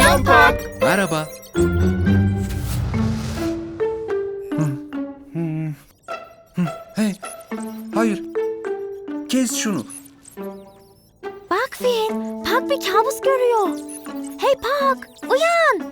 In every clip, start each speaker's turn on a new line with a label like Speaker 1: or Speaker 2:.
Speaker 1: Selam Pak.
Speaker 2: Merhaba. Hey, hayır. Kes şunu.
Speaker 3: Bak Finn, Pak bir kabus görüyor. Hey Pak, uyan.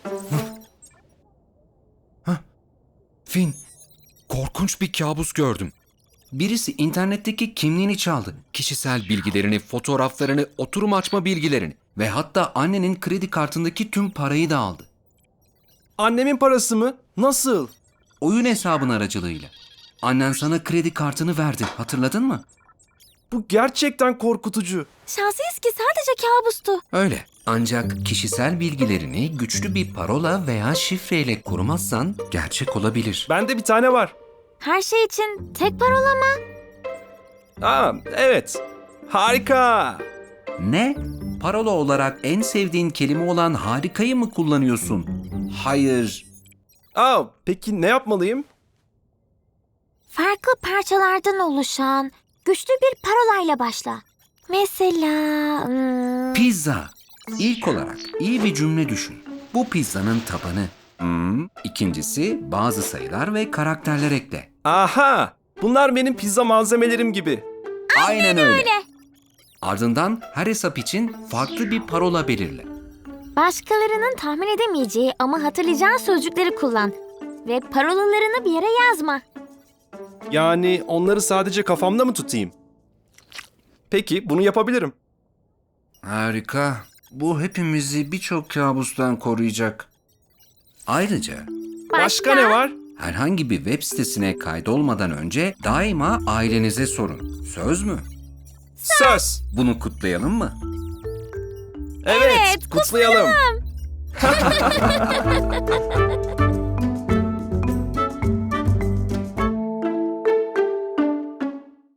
Speaker 2: Finn, korkunç bir kabus gördüm. Birisi internetteki kimliğini çaldı. Kişisel bilgilerini, fotoğraflarını, oturum açma bilgilerini ve hatta annenin kredi kartındaki tüm parayı da aldı.
Speaker 1: Annemin parası mı? Nasıl?
Speaker 2: Oyun hesabın aracılığıyla. Annen sana kredi kartını verdi, hatırladın mı?
Speaker 1: Bu gerçekten korkutucu.
Speaker 3: Şanslıyız ki sadece kabustu.
Speaker 2: Öyle. Ancak kişisel bilgilerini güçlü bir parola veya şifreyle korumazsan gerçek olabilir.
Speaker 1: Bende bir tane var.
Speaker 3: Her şey için tek parola mı?
Speaker 1: Aa, evet. Harika.
Speaker 2: Ne? Parola olarak en sevdiğin kelime olan harikayı mı kullanıyorsun? Hayır.
Speaker 1: Peki ne yapmalıyım?
Speaker 3: Farklı parçalardan oluşan güçlü bir parolayla başla. Mesela...
Speaker 2: Pizza. İlk olarak iyi bir cümle düşün. Bu pizzanın tabanı. İkincisi bazı sayılar ve karakterler ekle.
Speaker 1: Aha! Bunlar benim pizza malzemelerim gibi.
Speaker 2: Aynen öyle. Ardından her hesap için farklı bir parola belirle.
Speaker 3: Başkalarının tahmin edemeyeceği ama hatırlayacağın sözcükleri kullan. Ve parolalarını bir yere yazma.
Speaker 1: Yani onları sadece kafamda mı tutayım? Peki, bunu yapabilirim.
Speaker 2: Harika. Bu hepimizi birçok kabustan koruyacak. Ayrıca
Speaker 1: Başka ne var?
Speaker 2: herhangi bir web sitesine kaydolmadan önce daima ailenize sorun. Söz mü?
Speaker 1: Söz.
Speaker 2: Bunu kutlayalım mı?
Speaker 1: Evet, kutlayalım.